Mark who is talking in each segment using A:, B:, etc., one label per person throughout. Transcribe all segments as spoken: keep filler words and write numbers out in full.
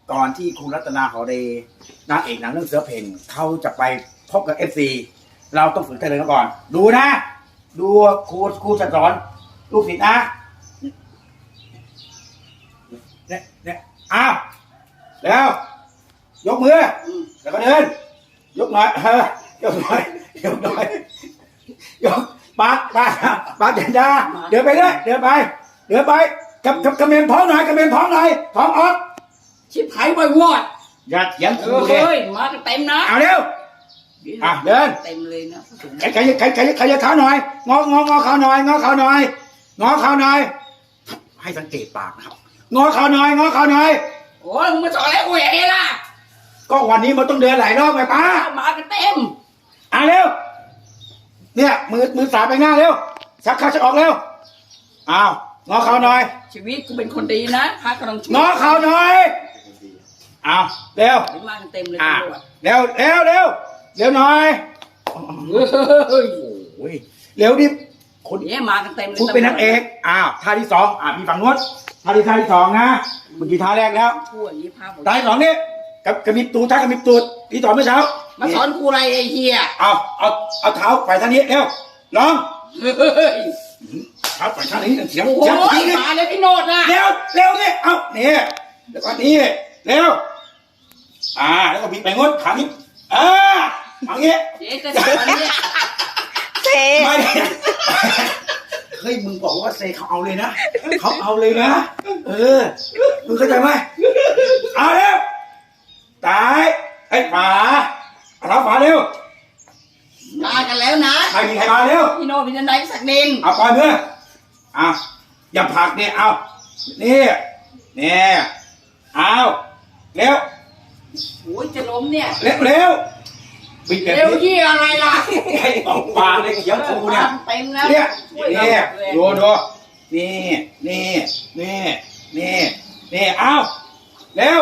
A: ก่อนที่คุณรัตนาหอเดย์นางเอกหนังเรื่องเสือเพ่นเขาจะไปพบกับเอฟซีเราต้องฝึกใจเลยก่อนดูนะดูครูครูจะสอนลูกศิษย์นะเนี่ยเนี่ยอ้าวแล้วยกมือแล้วก็เดินยกหน่อยเออยกหน่อยยกหน่อยยกปากปากปากเดินดาเดินไปเลยเดินไปเดินไปกับกับกระเมนท้องหน่อยกระเมนท้องหน่อยท้องออก
B: ชิบหายบ่อยวอด
A: อย่าเถียงกู
B: เลยเฮ้ยมาเต็มนะ
A: เอาเร็วอ่ะเดิน
B: เต็มเลยนะ
A: ใครใครใครใครใครจะขาหน่อยงององอขาหน่อยงอขาหน่อยงอขาหน่อยให้สังเกตปากนะครับงอขาหน่อยงอขาหน่อย
B: โอ้ยมึงมาสอนอะไรกูอย่างนี้ล่ะ
A: ก็วันนี้มันต้องเดินหลายรอบไงป้า
B: มากันเต็ม
A: อ่ะเร็วเนี่ยมือมือสาไปหน้าเร็วชักเข้าชักออกเร็วอ้าวงอขาหน่อย
B: ชีวิตกูเป็นคนดีนะพระกำลังช่วย
A: งอขาหน่อยอ้าวเร็ว
B: มากันเต็มเลย
A: เร็วเร็วเร็วเร็วหน่อย
B: เฮ้ย
A: โอ้ยเร็วดิ
B: คนนี้มากันเต็มเลย
A: คุณเป็นนักเอกอ้าวท่าที่สองอ่าพี่ฝั่งนู้นท่าที่ท่าที่สองนะเมื่อกี้ท่าแรกแล้ว
B: พูดนี้พาผม
A: ท่าที่สองนี่กับกระมิบตูดท่ากระมิบตูดที่สอนเมื่อเช้า
B: มาสอนกูอะไรไอ้เหี้ย
A: เอาเอาเอาเท้าไปท่านี้เร็วลองเท้าไปท่านี้เสียง
B: เสียงมาเลยพี่โนดนะ
A: เร็วเร็วนี่เอาเนี่ยแล้วก็นี่เร็วอ่าแล้วก็บิดไปงดขานี้อ่าอย่างเงี้ย
B: เจ๊จะสอนเนี่ย
A: เซ่ไม่เฮ้ยมึงบอกว่าเซเขาเอาเลยนะเขาเอาเลยนะเออมึงเข้าใจไหมเอาเร็วตายไอ้ฝาเอาฝาเร็ว
B: มากันแล้วนะ
A: ใครมีใครมาเร็ว
B: พี่โนพี่นันไดสักดิน
A: เอาปล่อยมืออ่ะอย่าผลักเนี่ยเอานี่นี่เอาเร็ว
B: โอ้ยจะล้มเนี่ย
A: เร็วเร็ว
B: เร็วที่อะไรล่ะ
A: ไอ้ออกปากเลยเขียวกูเนี่ย
B: เต็มแล้ว
A: เนี่ยนี่ดูดูนี่นี่นี่นี่นี่เอาเร็ว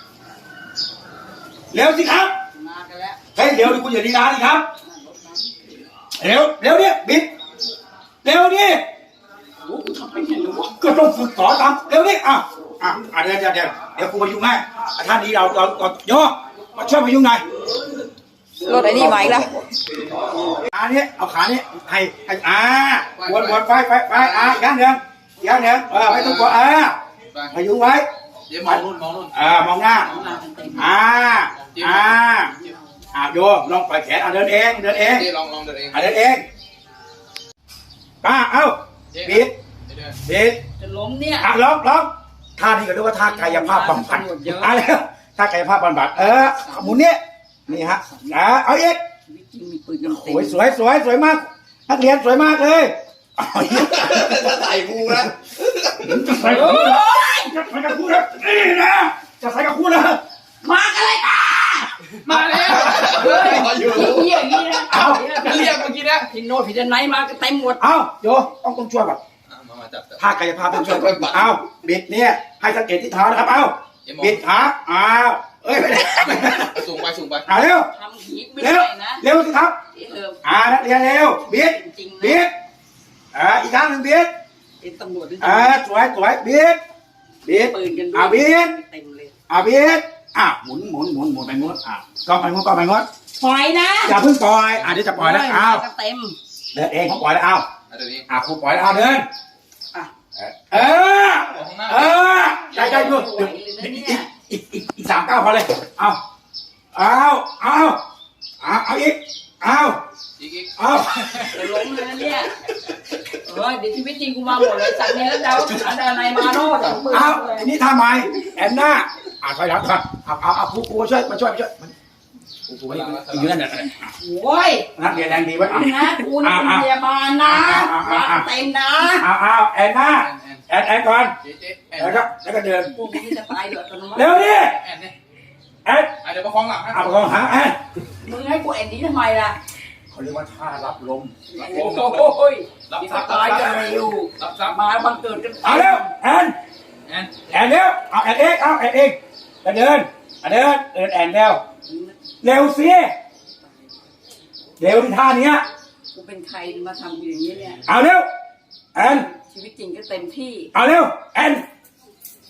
A: เร็วสิครับ
B: มากันแล้ว
A: เฮ้ยเร็วดิคุณอย่าดีร้าดิครับเร็วเร็วเนี่ยบิดเร็วดิ
B: โอ้กูทำไปเห็นหรือวะ
A: ก็ต้องฝึกสอนทำเร็วดิอ่ะอ่ะเดี๋ยวเดี๋ยวเดี๋ยวเดี๋ยวกูมายุ่งให้ท่านนี้เราเราเราโยมาช่วยมายุ่งหน่อย
C: รถไอ้นี่มาอีกแล้ว
A: ขาเนี้ยเอาขาเนี้ยให้ให้อ่าวนวนไปไปไปอ่าย่างเดือนย่างเดือนเออไม่ต้องกลัวอ่าพยุงไว้
D: เดี๋ยวมองนู่นมองนู่น
A: อ่ามองหน้าอ่าอ่าอ่าโยลองปล่อยแขนอ่าเดินเองเดินเอง
D: ลองลองเดินเอง
A: อ่าเดินเองป้าเอ้าบิดบิด
B: จะล้มเนี่ย
A: อ่ะลองลองท่านี้ก็เรียกว่าท่ากายภาพบำบัดอ่ะแล้วท่ากายภาพบำบัดเออหมุนเนี้ยนี่ฮะอ่าเอาอีกโอ้ยสวยสวยสวยมากนักเรียนสวยมากเลย
D: จะใส่กูนะ
A: จะใส่กูจะใส่กับกูนะนี่นะจะใส่กับกูนะ
B: มากันเลยตามาแล้ว
D: อยู่
B: เยี่ยอย่างนี้นะ
D: เอาเรียกเมื่อกี้นะ
B: พี่โนพี่จะไหนมาก็เต็มหมด
A: เอาโยต้องต้องช่วยแบบท่ากายภาพต้องช่วยเอาบิดเนี่ยให้สังเกตที่เท้านะครับเอาบิดขาอ้าวเอ้ยไม่ได้
D: สูงไปสูงไป
A: อ่าเร็วเร็วเร็วสิครับอ่านักเรียนเร็วบิดบิดอ่าอีกครั้งหนึ่งบิด
B: เป็นตำรวจ
A: อ่าสวยสวยบิดบิดอ่าบิดอ่าบิดอ่าหมุนหมุนหมุนหมุนไปงดอ่าก็ไปงดก็ไปงด
B: ปล่อยนะ
A: อย่าเพิ่งปล่อยอ่าเดี๋ยวจะปล่อยแล้วอ้าว
B: เต็ม
A: เดินเองเขาปล่อยแล้วอ้าวอ่าครูปล่อยแล้วอ้าวเดินเออเออใจใจดูอีกอีกอีกสามเก้าพอเลยเอาเอาเอาเอาเอาอีกเอาเอา
B: จะล้มเลยเนี่ยเออเดี๋ยวชีวิตจริงกูมาหมดเลยจากนี้แล้วเดาอะไรมาโน่น
A: เอาอันนี้ทำไมแอนนาอ่าถอยหลังก่อนเอาเอาเอาผู้ครูช่วยมาช่วยมาช่วยผู้ครูอยู่นั่นแหละ
B: โอ้ย
A: นักเรียนแรงดีไว้
B: นะกูนี่เป็นพยาบาลนะเต็มนะ
A: เอาเอาแอนนาแอนแอนก่อนแล้วก็แล้วก็เดิน
B: พวกนี้จะตายเดือดกัน
A: เร็วดิแอน
D: เดี๋ยวประคองหลัง
A: อ่ะประคองหางแอน
B: มึงให้กูแอนนี้ทำไมล่ะ
A: เขาเรียกว่าท่ารับลม
B: โอ้ยรับซับตายกันเร็วรับซับมาบังเกิดกัน
A: เอาเร็วแอนแอนแอนเร็วเอาแอนเองเอาแอนเองเดินเดินเดินแอนเร็วเร็วสิเร็วที่ท่านี้
B: กูเป็นใครมาทำอย่างนี้เนี่ย
A: เอาเร็วแอน
B: ชีวิตจริงก็เต็มที่
A: เอาเร็วแอน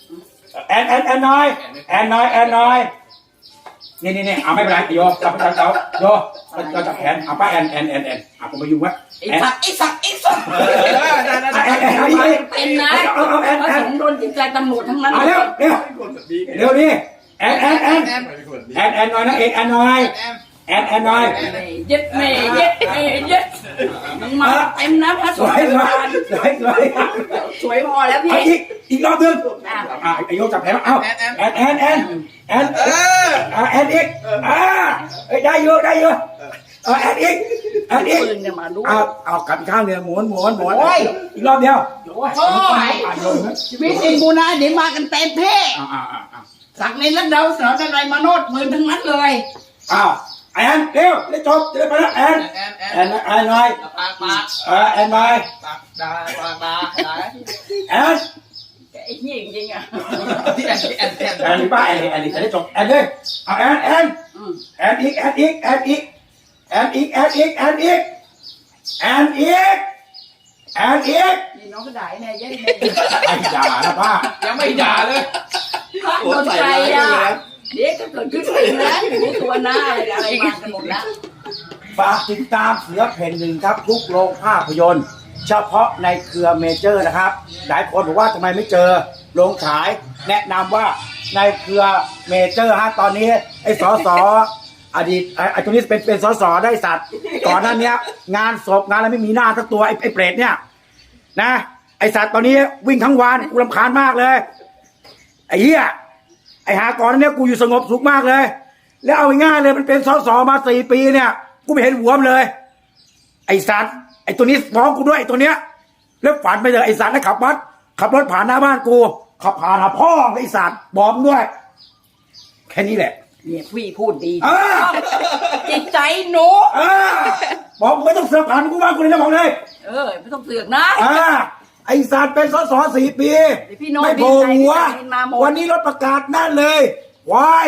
A: แอนแอนแอนน้อยแอนน้อยแอนน้อยนี่นี่นี่เอาไม่เป็นไรโยจับจับจับโยเราจับแขนเอาป้าแอนแอนแอนแอนเอาผมมายุ่งวะ
B: ไอ้สัตว์ไอ้สัตว์ไอ้สัตว์
A: แอนแอนเอาอีก
B: เป็นนะ
A: เอาเอาแอน
B: พระ
A: แอ
B: ส
A: น
B: งฆ์โดนจิตใจตำรวจทั้งนั้น
A: เอาเร็วเร็วเร็วนี่แอนแอนแอนแอนแอนน้อยนะเอกแอนน้อยแอนแอนน้อย
B: เย็ดแม่เย็ดแม่เย็ดมึงมาเต็มนะพระส
A: ส
B: ง
A: วย
B: ฆ์
A: สวยสวยสวย
B: สวยพอแล้วพี่
A: เอาอีกอีกรอบนึง
B: อ่ะ
A: อ่าไอโยจับแขนเอาแอนแอนแอนแอนแอนอ่าแอนอีกอ่าได้เยอะได้เยอะเอาแอนอีกแอนอีก
B: ปืนเนี่ยมาดู
A: เอาเอากลับอีกข้างเดียวหมุนหมุนหมุนอีกรอบเดียว
B: โอ้ยชีวิตจริงกูนะเดี๋ยวมากันเต็มเพ่
A: อ่าอ่าอ่าอ่า
B: สักในรัดเดาสอนอะไรมาโนดปืนทั้งนั้นเลย
A: อ้าวแอนเร็วได้จบจะได้ไปแล้วแอน
D: แอนแอน
A: แอนแอนหน่อย
D: ปากปาก
A: อ่าแอนไป
D: ปากดาปากดาดา
A: แอน
B: ไอ้เหี้ยจริงๆอ่ะ
D: ที่แอนแอนแอน
A: แอนป้าแอนแอนจะได้จบแอนเลยเอาแอนแอนแอนอีกแอนอีกแอนอีกแอนอีกแอนอีกแอนอีกแอนอีกแอนอีก
B: นี่น้องก็ด่าไอ้เนี่ยยัย
A: ไอ้ด่านะป้า
D: ยังไม่ด่าเลย
B: พระสนใจอ่ะเด็กก็เกิดขึ้นเองนะอยู่ในตัวหน้าอะไรอะไรมากันหมดแล้ว
A: ฝากติดตามเสือเพ่นหนึ่งครับทุกโรงภาพยนตร์ เฉพาะในเครือเมเจอร์นะครับ หลายคนบอกว่าทำไมไม่เจอโรงฉาย แนะนำว่าในเครือเมเจอร์ฮะตอนนี้ไอ้สอสออดีตไอ้ไอ้ตัวนี้เป็นเป็นสอสอได้สัตว์ก่อนหน้านี้งานศพงานอะไรไม่มีหน้าสักตัวไอ้ไอ้เปรตเนี่ยนะไอ้สัตว์ตอนนี้วิ่งทั้งวันกูรำคาญมากเลยไอ้เหี้ยไอ้หาก่อนหน้านี้กูอยู่สงบสุขมากเลย แล้วเอาง่ายๆเลยมันเป็นสอสอมาสี่ปีเนี่ยกูไม่เห็นหัวมันเลย ไอ้สัตว์ไอ้ตัวนี้ฟ้องกูด้วยไอ้ตัวเนี้ยแล้วฝันไปเลยไอ้สัตว์ให้ขับรถขับรถผ่านหน้าบ้านกูขับผ่านหาพ่อไอ้สัตว์บอกมึงด้วย แค่นี้แหละ
B: เนี่ยพี่พูดดี
A: เออ
B: จิตใจหนู
A: เออบอกมึงไม่ต้องเสือกผ่านกูบ้านกูเลยนะบอกเลย
B: เออไม่ต้องเสือกนะ
A: อ่าไอ้สัตว์เป็นสสสี่ปี
B: เดี๋ยวพี่โน้ต
A: ไม่โผล่หัว
B: ดีใจพี่มาหมด
A: วันนี้รถประกาศนั่นเลยวาย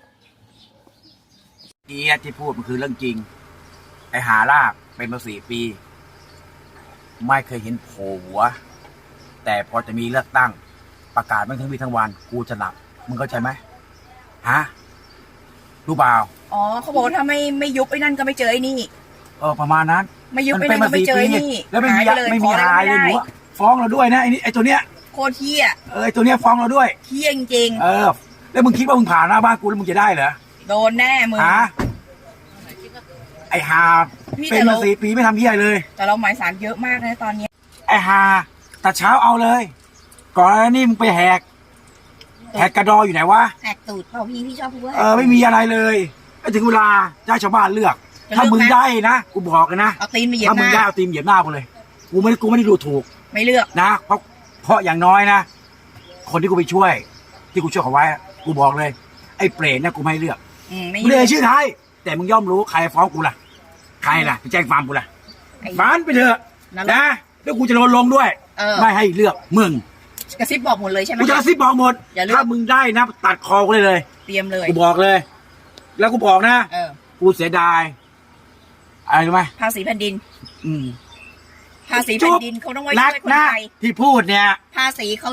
A: เกียที่พูดมันคือเรื่องจริงไอ้หาลากเป็นมาสี่ปี ไม่เคยเห็นโผล่หัว แต่พอจะมีเลือกตั้งประกาศไม่ทั้งวีทั้งวันกูจะหลับมึงเข้าใจไหมฮะรู้เปล่า
C: อ๋อเขาบอกว่าถ้าไม่ไม่ยุบไอ้นั่นก็ไม่เจอไอ้นี่
A: เออประมาณนั้น
C: ไม่ยุบไอ้นั่นก็ไม่เจอไอ้นี่
A: แล้วไม่มี
C: หายไปเลย
A: ไม่มี
C: ขออะไร
A: หายเลย
C: ไม่
A: หนู
C: ได้
A: อะฟ้องเราด้วยนะไอ้นี่ไอ้ตัวเนี้ย
C: โคตรเที่ย
A: เออไอ้ตัวเนี้ยฟ้องเราด้วย
C: เที่ยจริง
A: เออ แล้วมึงคิดว่ามึงผ่านหน้าบ้านกูแล้วมึงจะได้เหรอ
C: ๆโดนแน่มึง
A: ฮะไอ้หา
C: พี่
A: เป็น
C: แต่
A: มา
C: เรา
A: สี่ปีไม่ทำเหี้ยเลย
C: แต่เราหมายสารเยอะมากนะตอนเนี้ย
A: ไอ้หาแต่เช้าเอาเลย ก่อนหน้านี้มึงไปแหกแหกกระดออยู่ไหนวะ
C: แตกตูดเปล่าพี่พี่ชอบพูดว่า
A: เออไม่มีอะไรเลยไอ้ถึงเวลาจะให้ชาวบ้านเลือก
C: จะเลือก
A: ถ้ามึง
C: ไหม
A: ได้นะกูบอกกันนะ
C: เอาตีนมาเหยียบ
A: ถ้า
C: ห
A: มึง
C: น้า
A: ได้เอาตีนเหยียบหน้ากูเลย กูไม่กูไม่ได้ดูถูก
C: ไม่เลือก
A: นะเพราะเพราะอย่างน้อยนะคนที่กูไปช่วย ที่กูช่วยเขาไว้อะกูบอกเลย ไอ้เปรตเนี่ยกูไม่ให้เลือก
C: อืมไม่
A: ไม่
C: เลื
A: ได้
C: อก
A: ชื่อไทยแต่มึงย่อมรู้ใครฟ้องกูล่ะใครล่ะไปแจ้งความกูล่ะ
C: ไอ้
A: ฟานไปเถอะ
C: นั่น
A: นะแล้วกูจะโดนลงด้วย
C: เออ
A: ไม่ให้เลือกมึง
C: กระซิบบอกหมดเลยใช่ไหม
A: กูจะกระซิบบอกหมด
C: อย่าเลือก
A: ถ้ามึงได้นะตัดคอกูเลยเลย
C: เตรียมเลย
A: กูบอกเลย แล้วกูบอกนะ
C: เออ
A: กูเสียดายอะไรรู้ไหม
C: ภาษีแผ่นดิน
A: อืม
C: ภาษีแผ่นดินเขาต้องไว้
A: นั
C: ช่
A: ก
C: วยคน
A: นะ
C: ไทย
A: ที่พูดเนี่ย
C: ภาษีเขา